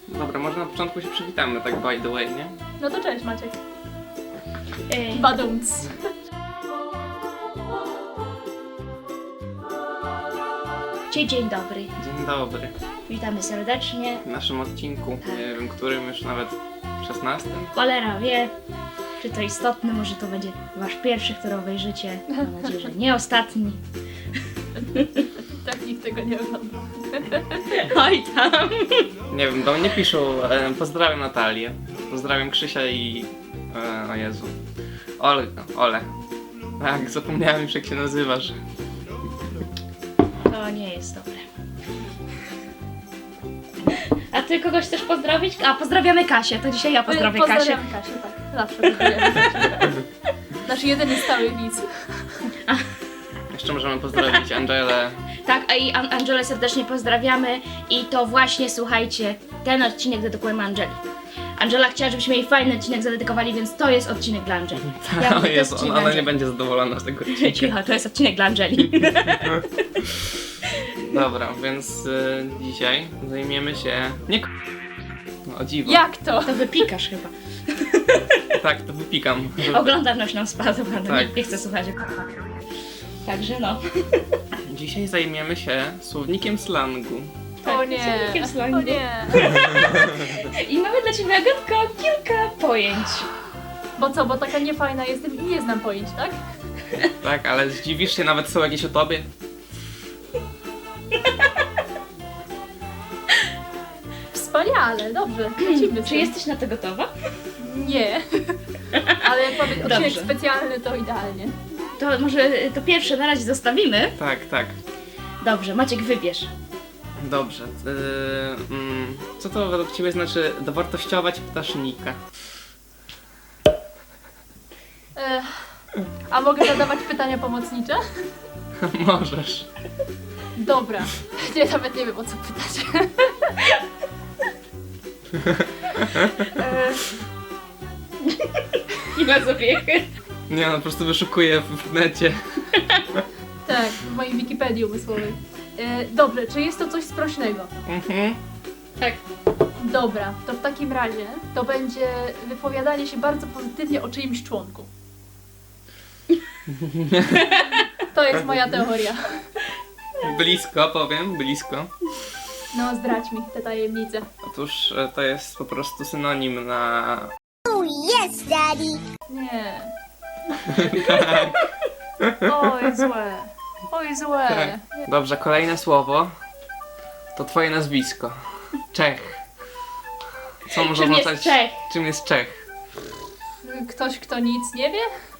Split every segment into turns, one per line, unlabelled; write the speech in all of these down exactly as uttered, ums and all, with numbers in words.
Dobra, może na początku się przywitamy, tak by the way, nie?
No to cześć Maciek.
Ej,
Badumc.
Dzień, dzień dobry.
Dzień dobry.
Witamy serdecznie.
W naszym odcinku, nie wiem, którym już nawet szesnastym.
Cholera wie, czy to istotne, może to będzie wasz pierwszy, który obejrzycie. Mam nadzieję, że nie ostatni.
Tak nikt tego nie ogląda.
Oj tam.
Nie wiem, do mnie piszą, e, pozdrawiam Natalię, pozdrawiam Krzysia i... E, o Jezu. Ole, Ole. Tak, zapomniałem już jak się nazywasz.
To nie jest dobre. A ty kogoś chcesz pozdrowić? A, pozdrawiamy Kasię, to dzisiaj ja pozdrowię Kasię.
Pozdrawiam Kasię, tak. Zawsze pozdrawiamy Kasię. Nasz jedyny stały widz.
Jeszcze możemy pozdrowić Angelę.
Tak, a i An- Angelę serdecznie pozdrawiamy i to właśnie, słuchajcie, ten odcinek dedykujemy Angeli. Angela chciała, żebyśmy jej fajny odcinek zadedykowali, więc to jest odcinek dla Angeli. Ja
O
mówię, to jest
Jezu,
odcinek
ona,
dla
ona nie
Angeli.
będzie zadowolona z tego odcinka.
Cicho, to jest odcinek dla Angeli.
Dobra, więc y, dzisiaj zajmiemy się... Nie k- no, o dziwo.
Jak to?
To wypikasz chyba.
Tak, to wypikam. żeby-
Oglądalność nam spadła, no
Tak.
nie, nie chcę słuchać. Także no.
Dzisiaj zajmiemy się słownikiem slangu.
O nie.
słownikiem slangu.
O nie.
I mamy dla Ciebie, Agatko, kilka pojęć.
Bo co, bo taka niefajna jestem i nie znam pojęć, tak?
Tak, ale zdziwisz się, nawet są jakieś o tobie.
Wspaniale, dobrze. Lecimy z
Czy
tym.
jesteś na to gotowa?
Nie. Ale jak powie odcinek
Dobrze.
specjalny, to idealnie.
To może to pierwsze na razie zostawimy.
Tak, tak.
Dobrze, Maciek, wybierz.
Dobrze. Yy, mm, co to według ciebie znaczy dowartościować ptasznika?
Ech. A mogę zadawać pytania pomocnicze?
Możesz.
Dobra. Ja nawet nie wiem, o co pytać. Ech.
Nie ma zabiechy.
Nie no, po prostu wyszukuję w necie.
Tak, w mojej Wikipedii umysłowej. E, dobrze, czy jest to coś sprośnego?
Mhm.
Tak.
Dobra, to w takim razie to będzie wypowiadanie się bardzo pozytywnie o czyimś członku. To jest moja teoria.
Blisko, powiem, blisko.
No, zdradź mi te tajemnice.
Otóż e, to jest po prostu synonim na...
Yes, Daddy.
Nie.
Tak,
Oj, złe. Oj, złe.
tak. Dobrze, kolejne słowo to twoje nazwisko. Czech. Co może
Czym jest
oznaczać...
Czech?
Czym jest Czech?
Ktoś, kto nic nie wie?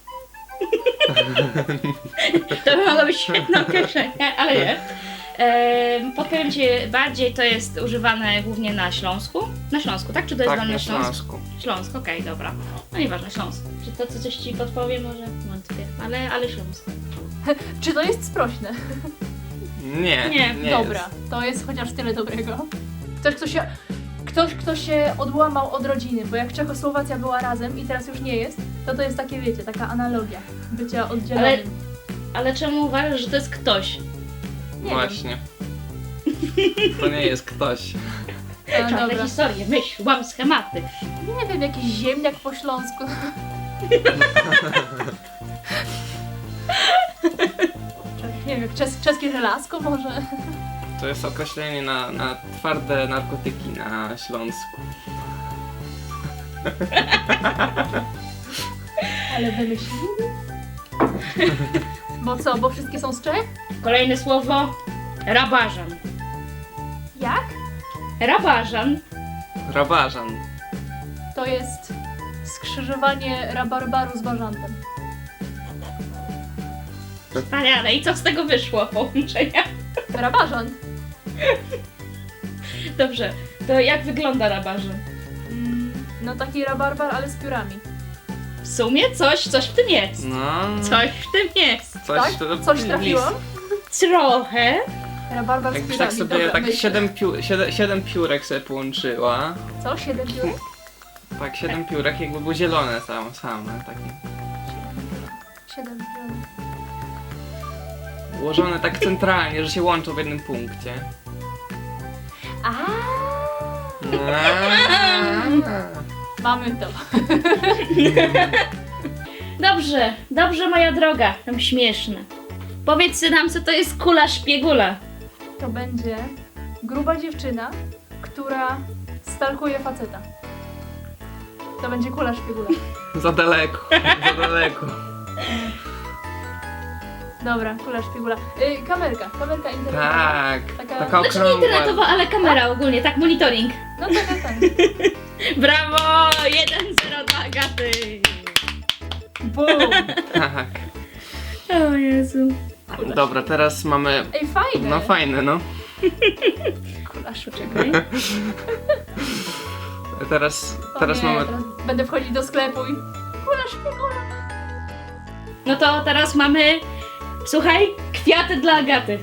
To by mogło być świetne określenie, ale nie. Ehm, podpowiem Ci bardziej, to jest używane głównie na Śląsku. Na Śląsku, tak? Czy to jest
Tak,
wolny
na
Śląsk?
Śląsku.
Śląsk, okej, dobra. No nieważne, Śląsk. Czy to co coś Ci podpowie może? Wątpię, ale, ale Śląsk.
Czy to jest sprośne?
Nie,
Nie,
nie
Dobra,
jest.
to jest chociaż tyle dobrego. Ktoś, kto się... Ktoś, kto się odłamał od rodziny, bo jak Czechosłowacja była razem i teraz już nie jest, to to jest takie, wiecie, taka analogia bycia oddzielonym.
Ale- Ale czemu uważasz, że to jest ktoś?
Nie
Właśnie. To nie jest ktoś.
wiem. A,
Czarne
dobra.
historie, myśl, łam schematy.
Nie wiem, jakiś ziemniak po śląsku. Nie wiem, czes czeskie żelazko może?
To jest określenie na, na twarde narkotyki na Śląsku.
Ale wymyślili? Bo co, bo wszystkie są z Czech?
Kolejne słowo, rabażan.
Jak?
Rabażan.
Rabażan.
To jest skrzyżowanie rabarbaru z bażantem.
Wspaniale. I co z tego wyszło połączenia?
Rabażan?
Dobrze, to jak wygląda rabażan?
Mm, no taki rabarbar, ale z piórami.
W sumie coś, coś w tym jest.
No.
Coś w tym jest.
Coś,
Tak?
to-
Coś
list.
trafiłam?
Trochę.
Rabarbar z
Jakbyś
piórami.
tak sobie
Dobra,
tak
myślę.
siedem, piu, siedem, siedem piórek sobie połączyła.
Co? Siedem piórek?
Tak, siedem piórek jakby były zielone same, same takie.
Siedem piórek.
Ułożone tak centralnie, że się łączą w jednym punkcie.
A, Mamy to.
Dobrze, dobrze moja droga, tam śmieszne. Powiedz nam, co to jest kula szpiegula.
To będzie gruba dziewczyna, która stalkuje faceta. To będzie kula szpiegula.
Za daleko, za daleko.
Dobra, kula szpiegula. Y, kamerka, kamerka internetowa.
Tak,
Taka-
taka
Znaczy nie
okrągła.
internetowa, ale kamera ogólnie, tak, monitoring.
No tak, tak, tak.
Brawo! jeden zero dla Agaty!
Boom!
Tak.
O Jezu.
Dobra, teraz mamy...
Ej, fajne!
No fajne, no.
Kula szpiegula.
Czekaj.
Teraz,
O
teraz
nie,
mamy...
teraz będę wchodzić do sklepu i... Kula szpiegula!
No to teraz mamy, słuchaj, kwiaty dla Agaty.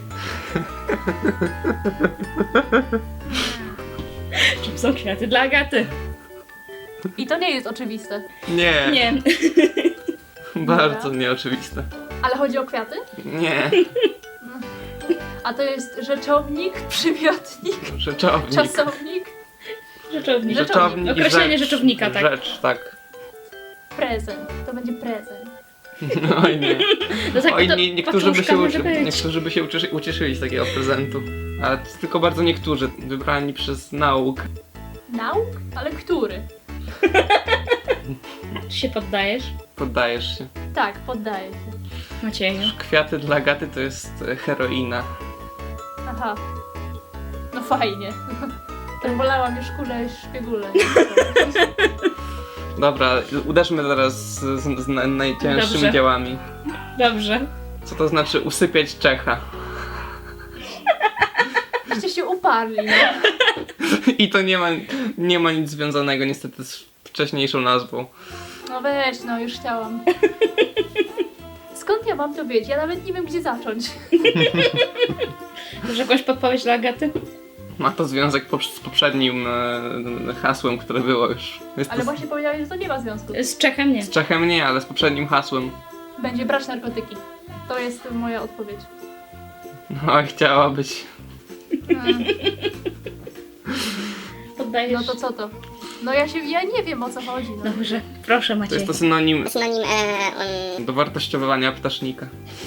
Czym są kwiaty dla Agaty?
I to nie jest oczywiste.
Nie,
Nie.
bardzo nieoczywiste.
Ale chodzi o kwiaty?
Nie,
A to jest rzeczownik, przymiotnik,
rzeczownik.
czasownik,
Rzeczownik.
Rzeczownik i
Określenie
rzecz.
rzeczownika, tak.
Rzecz, tak.
prezent. To będzie prezent.
Oj nie.
No tak,
Oj,
to
nie, niektórzy by
paczuszka
się,
może
uczy,
być.
niektórzy by się ucieszyli, ucieszyli z takiego prezentu. Ale to tylko bardzo niektórzy, wybrani przez nauk.
Nauk? Ale który?
Czy się poddajesz?
Poddajesz się.
Tak, poddaję się.
Macieju.
Kwiaty dla Agaty to jest e, heroina.
Aha. No fajnie. To wolałam już kulę szpiegule.
Dobra, uderzmy teraz z, z, z na- najcięższymi
Dobrze.
dziełami.
Dobrze.
Co to znaczy usypiać Czecha?
Żeście się uparli, no.
I to nie ma, nie ma nic związanego niestety z wcześniejszą nazwą.
No weź, no już chciałam. Skąd ja mam to wiedzieć? Ja nawet nie wiem, gdzie zacząć.
Masz jakąś podpowiedź dla Agaty?
Ma to związek pop- z poprzednim e, hasłem, które było już. Jest
Ale
to
właśnie powiedziałeś, że to nie ma związku.
Z Czechem nie.
z Czechem nie, ale z poprzednim hasłem.
Będzie brać narkotyki. To jest moja odpowiedź.
Oj, chciałabyś.
Mm,
Poddajesz?
No to co to? No ja się, ja nie wiem, o co chodzi. No.
Dobrze, proszę
To
Maciej.
jest to synonim
Synonim e, um,
do wartościowania ptasznika.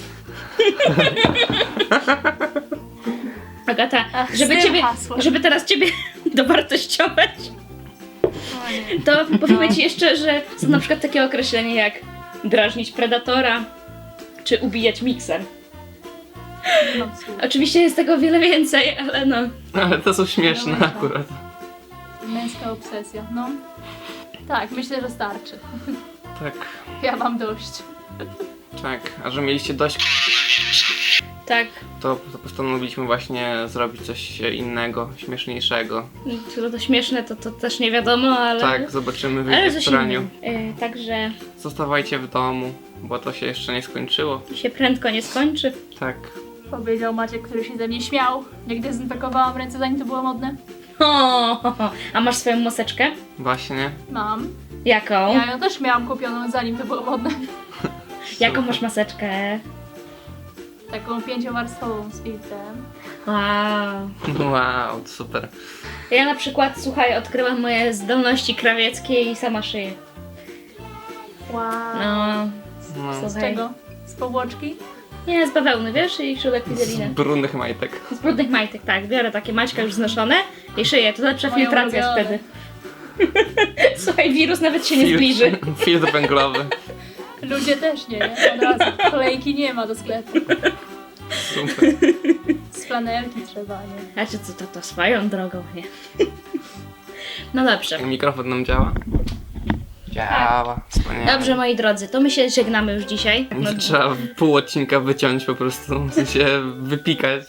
Agata,
Ach,
żeby
z tym
ciebie,
hasłem.
żeby teraz ciebie dowartościować,
O nie.
to powiemy ci jeszcze, że są na przykład takie określenia jak drażnić predatora, czy ubijać mikser.
Nie mam słów.
Oczywiście jest tego wiele więcej, ale no.
Ale to są śmieszne
Dobra.
akurat.
Męska obsesja, no. Tak, myślę, że starczy.
Tak,
Ja mam dość.
tak. A że mieliście dość,
Tak,
to, to postanowiliśmy właśnie zrobić coś innego, śmieszniejszego.
to, to śmieszne, to, to też nie wiadomo, ale...
Tak, zobaczymy w
ale
ich
coś
praniu.
innego. Yy, także
Zostawajcie w domu, bo to się jeszcze nie skończyło.
się prędko nie skończy.
Tak.
Powiedział Maciek, który się ze mnie śmiał, jak dezynfekowałam ręce, zanim to było modne.
O, a masz swoją maseczkę?
Właśnie.
Mam.
Jaką?
Ja ją też miałam kupioną, zanim to było modne.
Jaką masz maseczkę?
Taką pięciowarstwową z filtrem.
Wow.
Wow, super.
Ja na przykład, słuchaj, odkryłam moje zdolności krawieckie i sama szyję.
Wow.
No,
No.
Z
słuchaj.
czego? Z powłoczki?
Nie, z bawełny, wiesz? I śrubek
Z
wizeliny.
brudnych majtek.
Z brudnych majtek, tak. Biorę takie maćka już znoszone i szyję. To lepsza
Moje
filtracja jest
ulubione.
wtedy. Słuchaj, wirus nawet się nie zbliży.
Filtr węglowy.
Ludzie też nie, nie? Od razu. Kolejki nie ma do sklepu.
Super.
Z flanelki trzeba, nie?
A czy co to, to swoją drogą, nie? No dobrze.
Mikrofon nam działa? Działa. Wspaniale.
Dobrze, moi drodzy, to my się żegnamy już dzisiaj. No,
Trzeba pół odcinka wyciąć po prostu, w sensie wypikać.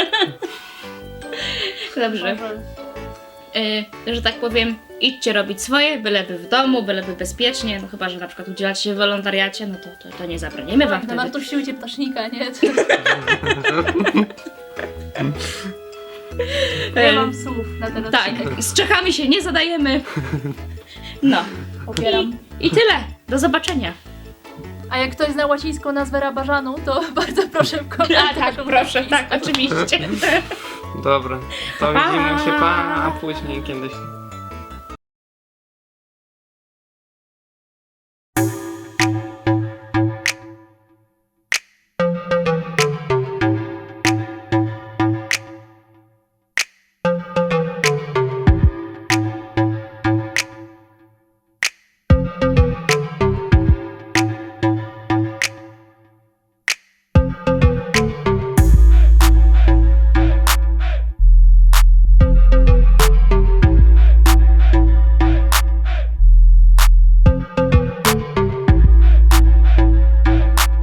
dobrze. Y, że tak powiem, idźcie robić swoje, byleby w domu, byleby bezpiecznie, no chyba, że na przykład udzielacie się w wolontariacie, no to, to, to nie zabronimy wam
Tak,
wtedy.
nawartościujcie ptasznika, nie? Nie mam słów na ten
Tak,
odcinek.
z Czechami się nie zadajemy. No.
Popieram.
I tyle. Do zobaczenia.
A jak ktoś zna łacińską nazwę rabażanu, to bardzo proszę w komentarzu.
A tak, proszę, tak, oczywiście.
Dobra, to
Pa!
widzimy się pa, a później kiedyś.